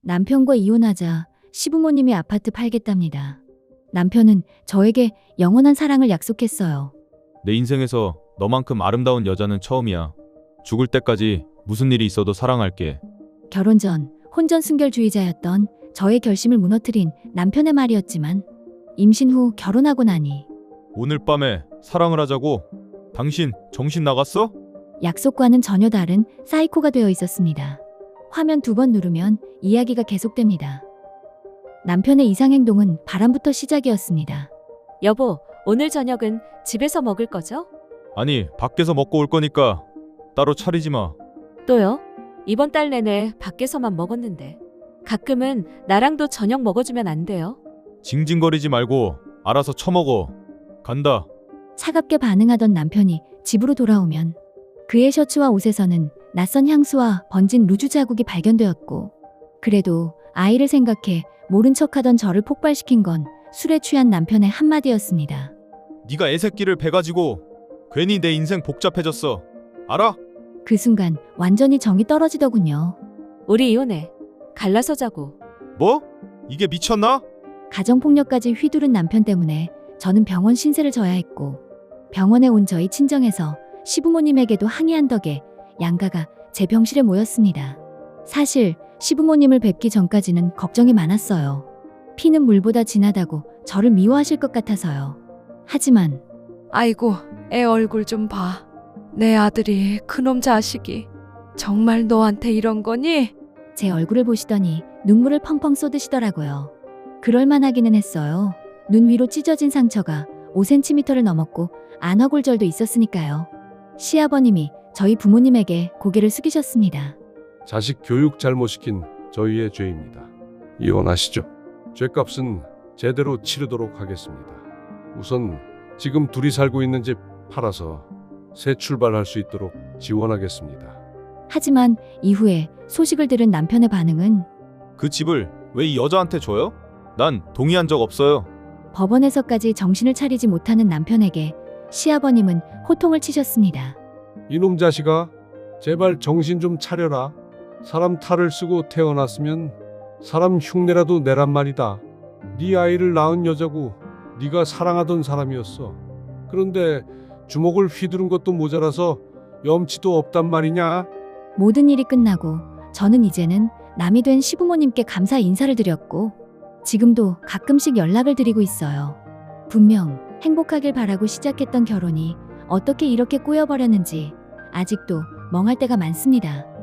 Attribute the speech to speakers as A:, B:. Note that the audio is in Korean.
A: 남편과 이혼하자 시부모님이 아파트 팔겠답니다. 남편은 저에게 영원한 사랑을 약속했어요.
B: 내 인생에서 너만큼 아름다운 여자는 처음이야. 죽을 때까지 무슨 일이 있어도 사랑할게.
A: 결혼 전 혼전 순결주의자였던 저의 결심을 무너뜨린 남편의 말이었지만 임신 후 결혼하고 나니
B: 오늘 밤에 사랑을 하자고? 당신 정신 나갔어?
A: 약속과는 전혀 다른 사이코가 되어 있었습니다. 화면 2번 누르면 이야기가 계속됩니다. 남편의 이상행동은 바람부터 시작이었습니다.
C: 여보, 오늘 저녁은 집에서 먹을 거죠?
B: 아니, 밖에서 먹고 올 거니까 따로 차리지 마.
C: 또요? 이번 달 내내 밖에서만 먹었는데. 가끔은 나랑도 저녁 먹어주면 안 돼요?
B: 징징거리지 말고 알아서 처먹어. 간다.
A: 차갑게 반응하던 남편이 집으로 돌아오면 그의 셔츠와 옷에서는 낯선 향수와 번진 루즈 자국이 발견되었고, 그래도 아이를 생각해 모른 척하던 저를 폭발시킨 건 술에 취한 남편의 한마디였습니다.
B: 네가 애새끼를 베가지고 괜히 내 인생 복잡해졌어. 알아?
A: 그 순간 완전히 정이 떨어지더군요.
C: 우리 이혼해. 갈라서 자고.
B: 뭐? 이게 미쳤나?
A: 가정폭력까지 휘두른 남편 때문에 저는 병원 신세를 져야 했고, 병원에 온 저희 친정에서 시부모님에게도 항의한 덕에 양가가 제 병실에 모였습니다. 사실 시부모님을 뵙기 전까지는 걱정이 많았어요. 피는 물보다 진하다고 저를 미워하실 것 같아서요. 하지만
D: 아이고, 애 얼굴 좀 봐. 내 아들이 그놈 자식이 정말 너한테 이런 거니?
A: 제 얼굴을 보시더니 눈물을 펑펑 쏟으시더라고요. 그럴만하기는 했어요. 눈 위로 찢어진 상처가 5cm를 넘었고 안화골절도 있었으니까요. 시아버님이 저희 부모님에게 고개를 숙이셨습니다.
E: 자식 교육 잘못시킨 저희의 죄입니다. 이혼하시죠. 죄값은 제대로 치르도록 하겠습니다. 우선 지금 둘이 살고 있는 집 팔아서 새 출발할 수 있도록 지원하겠습니다.
A: 하지만 이후에 소식을 들은 남편의 반응은
B: 그 집을 왜 이 여자한테 줘요? 난 동의한 적 없어요.
A: 법원에서까지 정신을 차리지 못하는 남편에게 시아버님은 호통을 치셨습니다.
E: 이놈 자식아, 제발 정신 좀 차려라. 사람 탈을 쓰고 태어났으면 사람 흉내라도 내란 말이다. 네 아이를 낳은 여자고 네가 사랑하던 사람이었어. 그런데 주먹을 휘두른 것도 모자라서 염치도 없단 말이냐?
A: 모든 일이 끝나고 저는 이제는 남이 된 시부모님께 감사 인사를 드렸고, 지금도 가끔씩 연락을 드리고 있어요. 분명 행복하길 바라고 시작했던 결혼이 어떻게 이렇게 꼬여버렸는지 아직도 멍할 때가 많습니다.